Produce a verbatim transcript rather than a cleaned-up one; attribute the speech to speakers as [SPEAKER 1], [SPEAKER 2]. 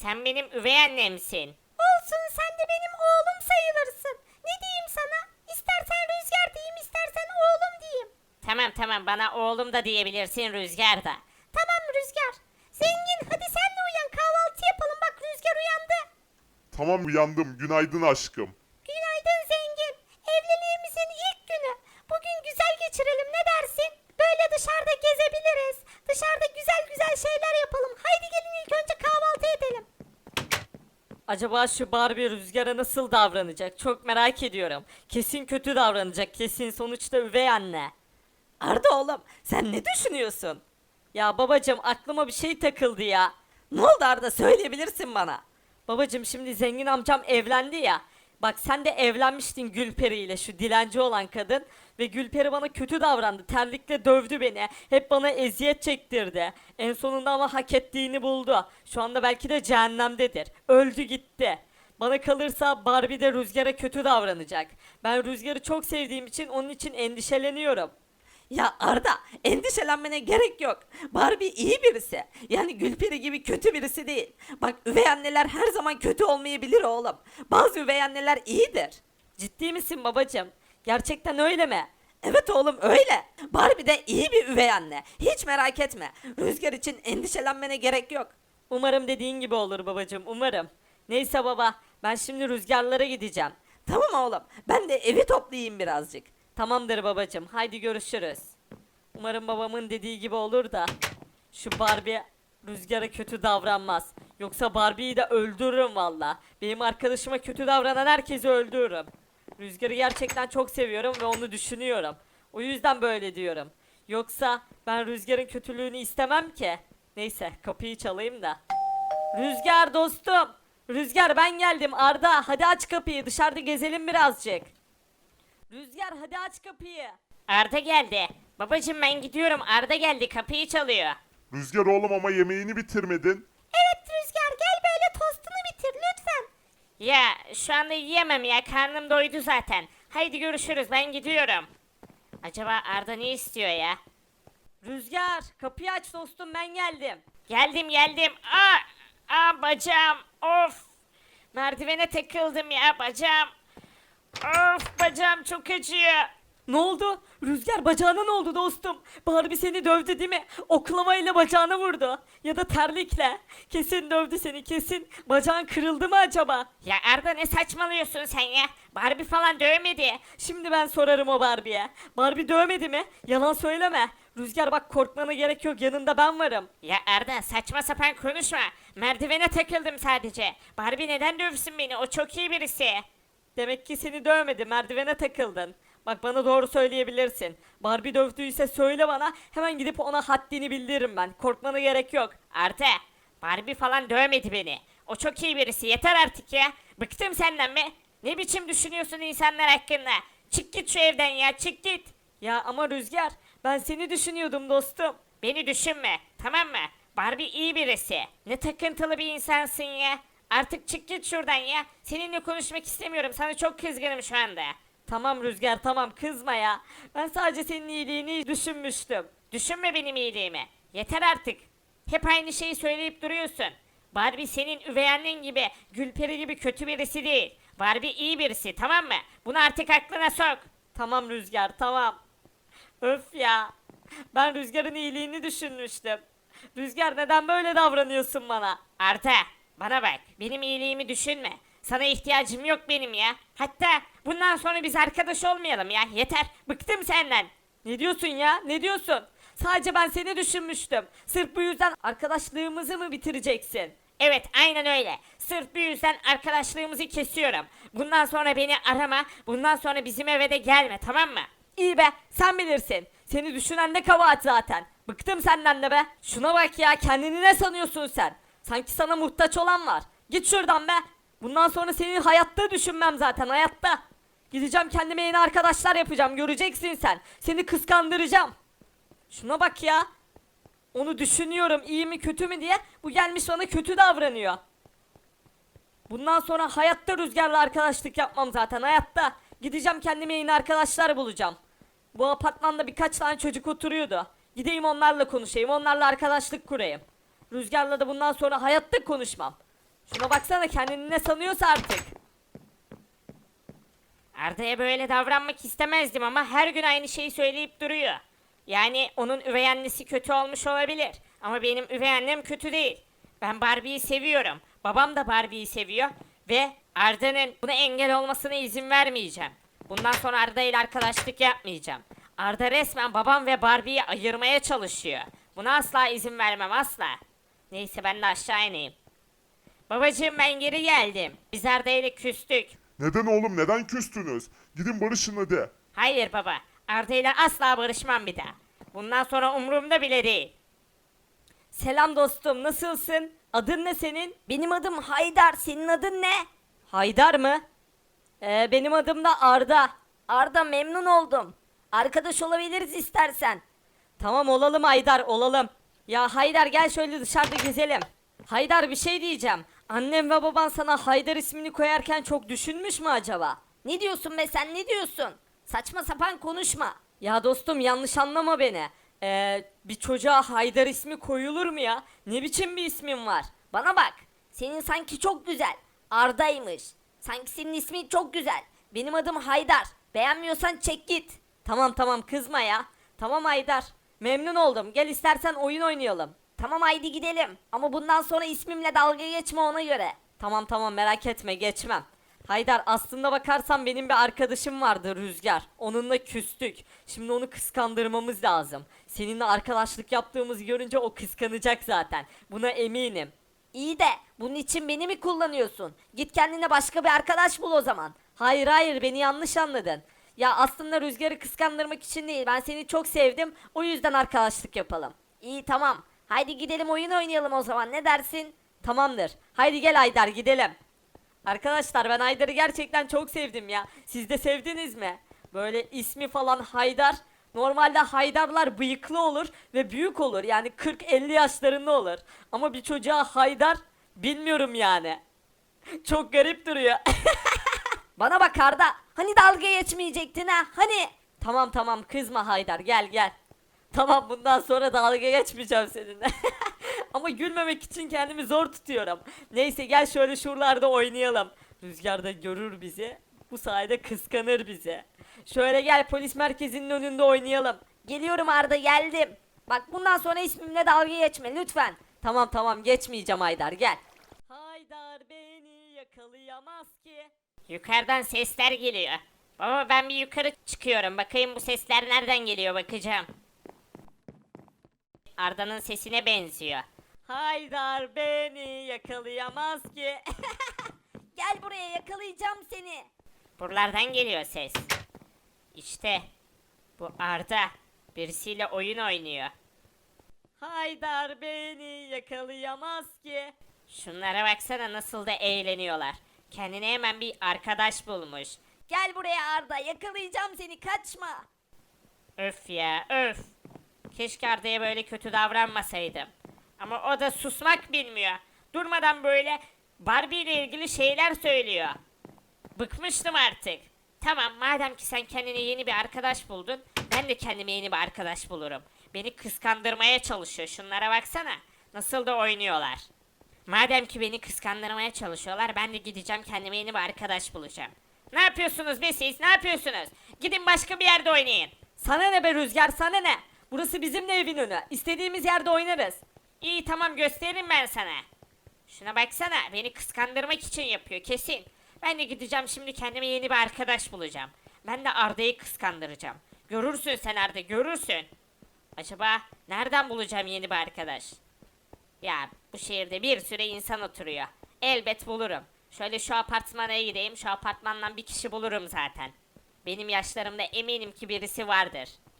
[SPEAKER 1] Sen benim üvey annemsin.
[SPEAKER 2] Olsun, sen de benim oğlum sayılırsın. Ne diyeyim sana? İstersen Rüzgar diyeyim, istersen oğlum diyeyim.
[SPEAKER 1] Tamam tamam bana oğlum da diyebilirsin Rüzgar da.
[SPEAKER 2] Tamam Rüzgar. Zengin, hadi sen de uyan, kahvaltı yapalım, bak Rüzgar uyandı.
[SPEAKER 3] Tamam uyandım. Günaydın aşkım.
[SPEAKER 2] Günaydın Zengin. Evliliğimizin ilk günü. Bugün güzel geçirelim, ne dersin? Böyle dışarıda gezebiliriz. Dışarıda güzel güzel şeyler yapalım. Haydi gelin ilk önce kahvaltı edelim.
[SPEAKER 4] Acaba şu Barbie Rüzgar'a nasıl davranacak? Çok merak ediyorum. Kesin kötü davranacak. Kesin sonuçta üvey anne. Arda oğlum sen ne düşünüyorsun? Ya babacım aklıma bir şey takıldı ya. Ne oldu Arda söyleyebilirsin bana. Babacım şimdi zengin amcam evlendi ya. Bak sen de evlenmiştin Gülperi ile şu dilenci olan kadın. Ve Gülperi bana kötü davrandı. Terlikle dövdü beni. Hep bana eziyet çektirdi. En sonunda ama hak ettiğini buldu. Şu anda belki de cehennemdedir. Öldü gitti. Bana kalırsa Barbie de Rüzgar'a kötü davranacak. Ben Rüzgar'ı çok sevdiğim için onun için endişeleniyorum. Ya Arda endişelenmene gerek yok. Barbie iyi birisi. Yani Gülperi gibi kötü birisi değil. Bak üvey anneler her zaman kötü olmayabilir oğlum. Bazı üvey anneler iyidir. Ciddi misin babacığım? Gerçekten öyle mi? Evet oğlum öyle. Barbie de iyi bir üvey anne. Hiç merak etme. Rüzgar için endişelenmene gerek yok. Umarım dediğin gibi olur babacığım umarım. Neyse baba ben şimdi rüzgarlara gideceğim. Tamam oğlum ben de evi toplayayım birazcık. Tamamdır babacığım haydi görüşürüz. Umarım babamın dediği gibi olur da şu Barbie Rüzgar'a kötü davranmaz. Yoksa Barbie'yi de öldürürüm valla. Benim arkadaşıma kötü davranan herkesi öldürürüm. Rüzgar'ı gerçekten çok seviyorum ve onu düşünüyorum. O yüzden böyle diyorum. Yoksa ben Rüzgar'ın kötülüğünü istemem ki. Neyse kapıyı çalayım da. Rüzgar dostum. Rüzgar ben geldim Arda. Hadi aç kapıyı dışarıda gezelim birazcık. Rüzgar hadi aç kapıyı.
[SPEAKER 1] Arda geldi. Babacım ben gidiyorum Arda geldi kapıyı çalıyor.
[SPEAKER 3] Rüzgar oğlum ama yemeğini bitirmedin.
[SPEAKER 2] Evet Rüzgar, gel böyle tostunu bitir lütfen.
[SPEAKER 1] Ya şu anda yiyemem ya karnım doydu zaten. Haydi görüşürüz ben gidiyorum. Acaba Arda ne istiyor ya?
[SPEAKER 4] Rüzgar kapıyı aç dostum ben geldim.
[SPEAKER 1] Geldim geldim. Aa, aa bacağım. Of. Merdivene takıldım ya bacağım. Of bacağım çok acıyor.
[SPEAKER 4] Ne oldu? Rüzgar bacağına ne oldu dostum? Barbie seni dövdü değil mi? Oklamayla bacağını vurdu. Ya da terlikle. Kesin dövdü seni kesin. Bacağın kırıldı mı acaba?
[SPEAKER 1] Ya Arda ne saçmalıyorsun sen ya? Barbie falan dövmedi.
[SPEAKER 4] Şimdi ben sorarım o Barbie'ye. Barbie dövmedi mi? Yalan söyleme. Rüzgar bak korkmana gerek yok yanında ben varım.
[SPEAKER 1] Ya Arda saçma sapan konuşma. Merdivene takıldım sadece. Barbie neden dövsün beni? O çok iyi birisi.
[SPEAKER 4] Demek ki seni dövmedi merdivene takıldın. Bak bana doğru söyleyebilirsin. Barbie dövdüyse söyle bana hemen gidip ona haddini bildiririm ben. Korkmana gerek yok.
[SPEAKER 1] Arda Barbie falan dövmedi beni. O çok iyi birisi. Yeter artık ya. Bıktım senden be. Ne biçim düşünüyorsun insanlar hakkında? Çık git şu evden ya çık git.
[SPEAKER 4] Ya ama Rüzgar ben seni düşünüyordum dostum.
[SPEAKER 1] Beni düşünme tamam mı? Barbie iyi birisi. Ne takıntılı bir insansın ya. Artık çık git şuradan ya. Seninle konuşmak istemiyorum. Sana çok kızgınım şu anda.
[SPEAKER 4] Tamam Rüzgar tamam kızma ya. Ben sadece senin iyiliğini düşünmüştüm.
[SPEAKER 1] Düşünme benim iyiliğimi. Yeter artık. Hep aynı şeyi söyleyip duruyorsun. Barbie senin üvey annen gibi, Gülperi gibi kötü birisi değil. Barbie iyi birisi tamam mı? Bunu artık aklına sok.
[SPEAKER 4] Tamam Rüzgar tamam. Öf ya. Ben Rüzgar'ın iyiliğini düşünmüştüm. Rüzgar neden böyle davranıyorsun bana?
[SPEAKER 1] Arda bana bak benim iyiliğimi düşünme. Sana ihtiyacım yok benim ya. Hatta bundan sonra biz arkadaş olmayalım ya. Yeter bıktım senden.
[SPEAKER 4] Ne diyorsun ya? Ne diyorsun? Sadece ben seni düşünmüştüm. Sırf bu yüzden arkadaşlığımızı mı bitireceksin?
[SPEAKER 1] Evet aynen öyle. Sırf bu yüzden arkadaşlığımızı kesiyorum. Bundan sonra beni arama. Bundan sonra bizim eve de gelme tamam mı?
[SPEAKER 4] İyi be, sen bilirsin. Seni düşünen de kabahat zaten. Bıktım senden de be. Şuna bak ya, kendini ne sanıyorsun sen? Sanki sana muhtaç olan var. Git şuradan be. Bundan sonra seni hayatta düşünmem zaten, hayatta. Gideceğim kendime yeni arkadaşlar yapacağım, göreceksin sen. Seni kıskandıracağım. Şuna bak ya. Onu düşünüyorum iyi mi kötü mü diye. Bu gelmiş bana kötü davranıyor. Bundan sonra hayatta Rüzgar'la arkadaşlık yapmam zaten, hayatta. Gideceğim kendime yeni arkadaşlar bulacağım. Bu apartmanda birkaç tane çocuk oturuyordu. Gideyim onlarla konuşayım, onlarla arkadaşlık kurayım. Rüzgar'la da bundan sonra hayatta konuşmam. Şuna baksana, kendini ne sanıyorsa artık.
[SPEAKER 1] Arda'ya böyle davranmak istemezdim ama her gün aynı şeyi söyleyip duruyor. Yani onun üvey annesi kötü olmuş olabilir. Ama benim üvey annem kötü değil. Ben Barbie'yi seviyorum. Babam da Barbie'yi seviyor. Ve Arda'nın buna engel olmasına izin vermeyeceğim. Bundan sonra Arda ile arkadaşlık yapmayacağım. Arda resmen babam ve Barbie'yi ayırmaya çalışıyor. Buna asla izin vermem, asla. Neyse ben de aşağı ineyim. Babacığım ben geri geldim. Biz Arda ile küstük.
[SPEAKER 3] Neden oğlum, neden küstünüz? Gidin barışın hadi.
[SPEAKER 1] Hayır baba. Arda ile asla barışmam bir daha. Bundan sonra umurumda bile değil.
[SPEAKER 4] Selam dostum, nasılsın? Adın ne senin?
[SPEAKER 2] Benim adım Haydar. Senin adın ne?
[SPEAKER 4] Haydar mı? Ee, benim adım da Arda.
[SPEAKER 2] Arda, memnun oldum. Arkadaş olabiliriz istersen.
[SPEAKER 4] Tamam, olalım Haydar, olalım. Ya Haydar, gel şöyle dışarıda gezelim. Haydar, bir şey diyeceğim. Annem ve baban sana Haydar ismini koyarken çok düşünmüş mü acaba?
[SPEAKER 2] Ne diyorsun be, sen ne diyorsun? Saçma sapan konuşma.
[SPEAKER 4] Ya dostum, yanlış anlama beni. Ee, bir çocuğa Haydar ismi koyulur mu ya? Ne biçim bir ismin var?
[SPEAKER 2] Bana bak. Senin sanki çok güzel. Arda'ymış. Sanki senin ismin çok güzel. Benim adım Haydar. Beğenmiyorsan çek git.
[SPEAKER 4] Tamam tamam, kızma ya. Tamam Haydar. Memnun oldum. Gel istersen oyun oynayalım.
[SPEAKER 2] Tamam, haydi gidelim. Ama bundan sonra ismimle dalga geçme, ona göre.
[SPEAKER 4] Tamam tamam, merak etme, geçmem. Haydar, aslında bakarsan benim bir arkadaşım vardı, Rüzgar. Onunla küstük. Şimdi onu kıskandırmamız lazım. Seninle arkadaşlık yaptığımızı görünce o kıskanacak zaten. Buna eminim.
[SPEAKER 2] İyi de bunun için beni mi kullanıyorsun? Git kendine başka bir arkadaş bul o zaman.
[SPEAKER 4] Hayır hayır, beni yanlış anladın. Ya aslında Rüzgar'ı kıskandırmak için değil. Ben seni çok sevdim. O yüzden arkadaşlık yapalım.
[SPEAKER 2] İyi, tamam. Haydi gidelim oyun oynayalım o zaman, ne dersin?
[SPEAKER 4] Tamamdır. Haydi gel Haydar, gidelim. Arkadaşlar, ben Haydar'ı gerçekten çok sevdim ya. Siz de sevdiniz mi? Böyle ismi falan Haydar. Normalde Haydarlar bıyıklı olur ve büyük olur. Yani kırk elli yaşlarında olur. Ama bir çocuğa Haydar, bilmiyorum yani. Çok garip duruyor.
[SPEAKER 2] Bana bak Arda, hani dalga geçmeyecektin ha, hani?
[SPEAKER 4] Tamam tamam, kızma Haydar, gel gel. Tamam, bundan sonra dalga geçmeyeceğim seninle. Ama gülmemek için kendimi zor tutuyorum. Neyse, gel şöyle şuralarda oynayalım. Rüzgar da görür bizi. Bu sayede kıskanır bizi. Şöyle gel, polis merkezinin önünde oynayalım.
[SPEAKER 2] Geliyorum Arda, geldim. Bak, bundan sonra ismimle dalga geçme lütfen.
[SPEAKER 4] Tamam tamam, geçmeyeceğim Haydar, gel. Haydar beni yakalayamaz ki.
[SPEAKER 1] Yukarıdan sesler geliyor. Baba ben bir yukarı çıkıyorum. Bakayım bu sesler nereden geliyor, bakacağım. Arda'nın sesine benziyor.
[SPEAKER 4] Haydar beni yakalayamaz ki.
[SPEAKER 2] Gel buraya, yakalayacağım seni.
[SPEAKER 1] Buralardan geliyor ses. İşte bu Arda birisiyle oyun oynuyor.
[SPEAKER 4] Haydar beni yakalayamaz ki.
[SPEAKER 1] Şunlara baksana nasıl da eğleniyorlar. Kendine hemen bir arkadaş bulmuş.
[SPEAKER 2] Gel buraya Arda, yakalayacağım seni, kaçma.
[SPEAKER 1] Öf ya öf. Keşke Arda'ya böyle kötü davranmasaydım. Ama o da susmak bilmiyor. Durmadan böyle Barbie ile ilgili şeyler söylüyor. Bıkmıştım artık. Tamam, madem ki sen kendine yeni bir arkadaş buldun, ben de kendime yeni bir arkadaş bulurum. Beni kıskandırmaya çalışıyor. Şunlara baksana. Nasıl da oynuyorlar. Madem ki beni kıskandırmaya çalışıyorlar, ben de gideceğim kendime yeni bir arkadaş bulacağım. Ne yapıyorsunuz be siz? Ne yapıyorsunuz? Gidin başka bir yerde oynayın.
[SPEAKER 4] Sana ne be Rüzgar, sana ne? Burası bizim de evin önü. İstediğimiz yerde oynarız.
[SPEAKER 1] İyi tamam, gösteririm ben sana. Şuna baksana, beni kıskandırmak için yapıyor kesin. Ben de gideceğim şimdi kendime yeni bir arkadaş bulacağım. Ben de Arda'yı kıskandıracağım. Görürsün sen Arda, görürsün. Acaba nereden bulacağım yeni bir arkadaş? Ya bu şehirde bir sürü insan oturuyor. Elbet bulurum. Şöyle şu apartmana gideyim, şu apartmandan bir kişi bulurum zaten. Benim yaşlarımda eminim ki birisi vardır.